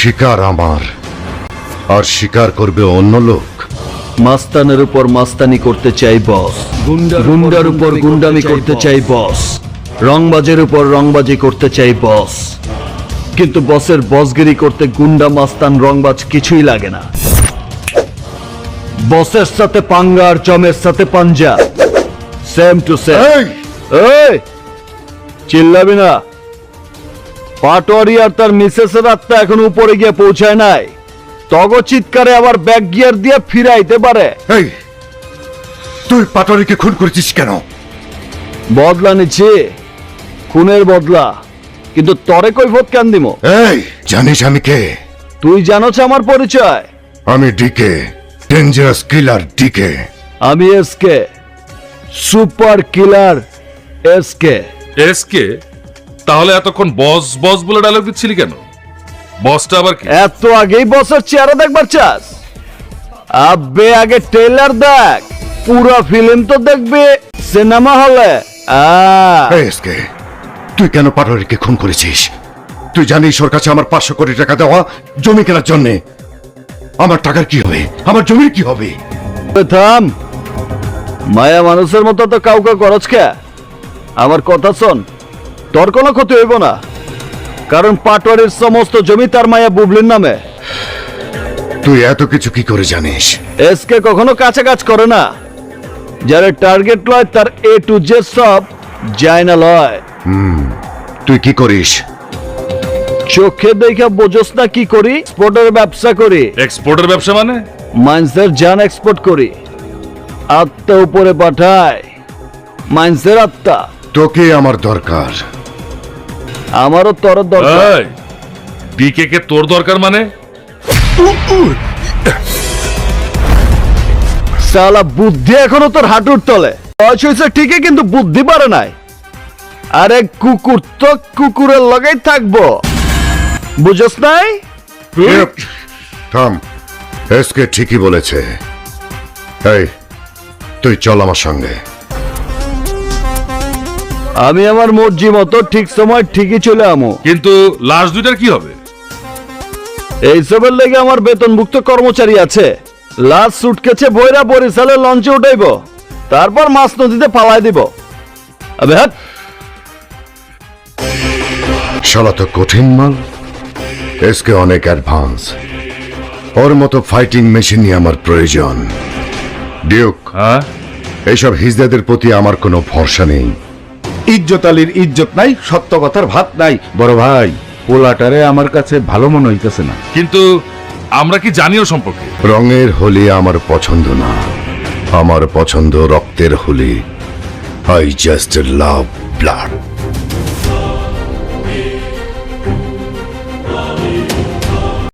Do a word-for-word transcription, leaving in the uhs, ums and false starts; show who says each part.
Speaker 1: শিকার আমার, আর শিকার করবে অন্য লোক।
Speaker 2: মাস্তানের উপর মাস্তানি করতে চাই বস, গুন্ডার উপর গুন্ডামি করতে চাই বস, রংবাজের উপর রংবাজি করতে চাই বস। কিন্তু বসের বসগিরি করতে গুন্ডা মাস্তান রংবাজ কিছুই লাগে না। বসের সাথে পাঙ্গা আর জমের সাথে পাঞ্জা, সেম টু সেম। এই চিল্লাবি না। পাটোয়ারি আর তার মিসেসের আত্মা এখন উপরে গিয়ে পৌঁছায় নাই। তগ চিৎকারে আবার ব্যাক গিয়ার দিয়ে ফিরাইতে পারে।
Speaker 1: এই তুই পাটোয়ারিকে খুন করেছিস কেন?
Speaker 2: বদলা নিচ্ছি, খুনের বদলা। কিন্তু তরে কৈফত কেন দিমো?
Speaker 1: এই জানিস আমি কে?
Speaker 2: তুই জানোছ আমার পরিচয়?
Speaker 1: আমি ডিকে, ডেঞ্জারাস কিলার ডিকে।
Speaker 2: আমি SK, super killer SK.
Speaker 3: SK? তাহলে এতক্ষণ বস বস বলে ডায়লগ দিচ্ছিলি কেন? বসটা আবার কি?
Speaker 2: এত আগেই বসের চেহারা দেখবার চাস? আবে আগে ট্রেলার দেখ, পুরো ফিল্ম তো দেখবে সিনেমা হলে।
Speaker 1: এই এসকে, তুই কেন পাটোয়ারিকে খুন করেছিস? তুই জানিস ওর কাছে আমার পাঁচশো কোটি টাকা দেওয়া জমি কেনার জন্য। আমার টাকার কি হবে? আমার জমির কি হবে?
Speaker 2: থাম, মায়া মানুষের মতো তো কাউকে খরচ কে। আমার কথা শোন, তোর কোনো ক্ষতি হইব না, কারণ পাটোয়ারির সমস্ত জমি তার মায়া বুবলির নামে।
Speaker 1: তুই এত কিছু কি করে জানিস?
Speaker 2: এসকে কখনো কাছে কাজ করে না। যারা টার্গেট লয় তার এ টু জেড সব যায় না লয়।
Speaker 1: তুই কি করিস?
Speaker 2: চোখে দেখা বোঝস না কি করি? এক্সপোর্টের ব্যবসা করি।
Speaker 3: এক্সপোর্টের ব্যবসা মানে?
Speaker 2: মাইন্সের জান এক্সপোর্ট করি, আত্মা উপরে পাঠায়। মাইন্সের আত্মা।
Speaker 1: তোকে আমার দরকার।
Speaker 2: আমারও তোর দরকার।
Speaker 3: ডিকে কে তোর দরকার মানে?
Speaker 2: সালা বুদ্ধি এখনো তোর হাঁটুর তলে। বয়স হয়েছে ঠিকই, কিন্তু বুদ্ধি পারে নাই। আরে কুকুর তো কুকুরের লগেই থাকবো, বুঝস নাই?
Speaker 1: থাম, এসকে ঠিকই বলেছে। এই তুই চল আমার সঙ্গে।
Speaker 2: আমি আমার মর্জি মতো ঠিক সময় ঠিকই চলে আমো।
Speaker 3: কিন্তু লাশ দুইটার কি হবে?
Speaker 2: এইসবের লেগে আমার বেতনভুক্ত কর্মচারী আছে। লাশ সুটকেছে বইরা বরিশালে লঞ্চে উঠাইব, তারপর মাছ নদীতে পালাই দিব। আবে হাট।
Speaker 1: শালা তো কঠিন মাল। এসকে অনেক অ্যাডভান্স। ওর মতো ফাইটিং মেশিনই আমার প্রয়োজন। ডিউক,
Speaker 3: হ্যাঁ,
Speaker 1: এইসব হিজদাদের প্রতি আমার কোনো ভরসা নেই।
Speaker 4: ইজ্জত আলীর ইজ্জত নাই, সত্য কথার ভাত নাই। বড় ভাই, পোলাটারে আমার কাছে ভালো মনে হইতেছে না।
Speaker 3: কিন্তু আমরা কি জানিও সম্পর্কে?
Speaker 1: রঙের হোলি আমার পছন্দ না, আমার পছন্দ রক্তের Holi. I just love blood.